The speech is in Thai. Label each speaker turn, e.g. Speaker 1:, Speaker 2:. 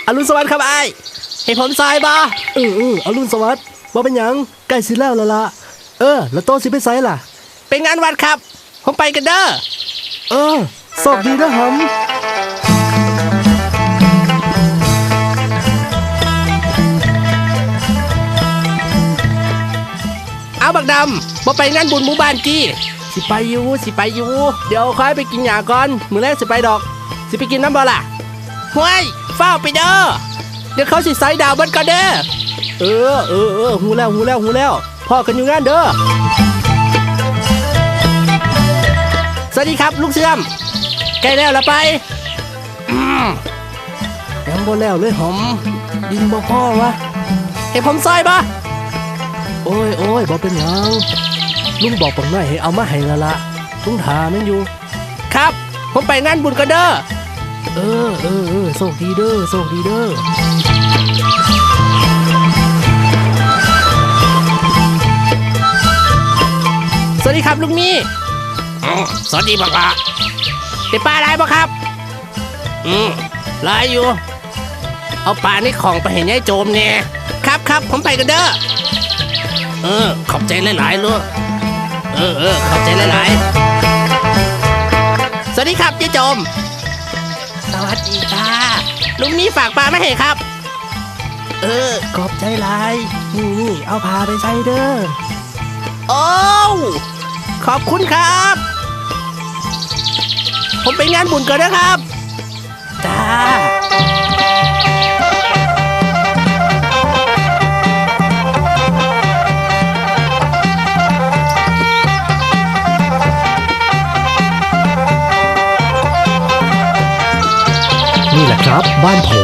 Speaker 1: อรุณสวัสดิ์ครับไอ้ให้ผมซอยบ่
Speaker 2: อรุณสวัสดิ์บ่เป็นหยังใกล้สิแล้วล่ะแล้วโตสิไปไสล่ะ
Speaker 1: เป็นงานวัดครับผมไปกันเด้อ
Speaker 2: โชคดีนะหำ
Speaker 1: เอาบักดำบ่ไปงานบุญหมู่บ้านกี้สิไปอยู่เดี๋ยวค่อยไปกินหยาก่อนมื้อแรกสิไปดอกสิไปกินน้ำบ่ล่ะห้วยเฝ้าไปเด้อเดี๋ยวเขาสิใส่ดาวเบิดก่อนเด้อ
Speaker 2: หูแล้วพ่อกันอยู่งานเด้อ
Speaker 1: สวัสดีครับลูกเสื่อมใกล้แล้วละไป
Speaker 2: ยังบ่แล้วเลยหอมดินบ่พอวะ
Speaker 1: ให้ผมซอยบ่
Speaker 2: โอ้ยบ่เป็นหยังลุงบอกปังหน่อยให้เอามาให้ละลุงถามันอยู่
Speaker 1: ครับผมไปงานบุญกันเด้อ
Speaker 2: โชคดีเด้อ
Speaker 1: สวัสดีครับลุงมี่สวัสดีบักละได้ปลาอะไรบ่ครับหลายอยู่เอาปลาในของไปให้ยายโจมเนี่ยครับผมไปกันเด้อขอบใจหลายๆลูกขอบใจหลายๆสวัสดีครับยายโจมสวัสดีค่ะลุงมี่ฝากปลาไม่ให้ครับ
Speaker 2: ขอบใจหลายนี่เอาพาไปใส่เด้อ
Speaker 1: โอ้ขอบคุณครับผมไปงานบุญก่อนนะครับ
Speaker 2: จ้า
Speaker 3: นี่แหละครับบ้านผม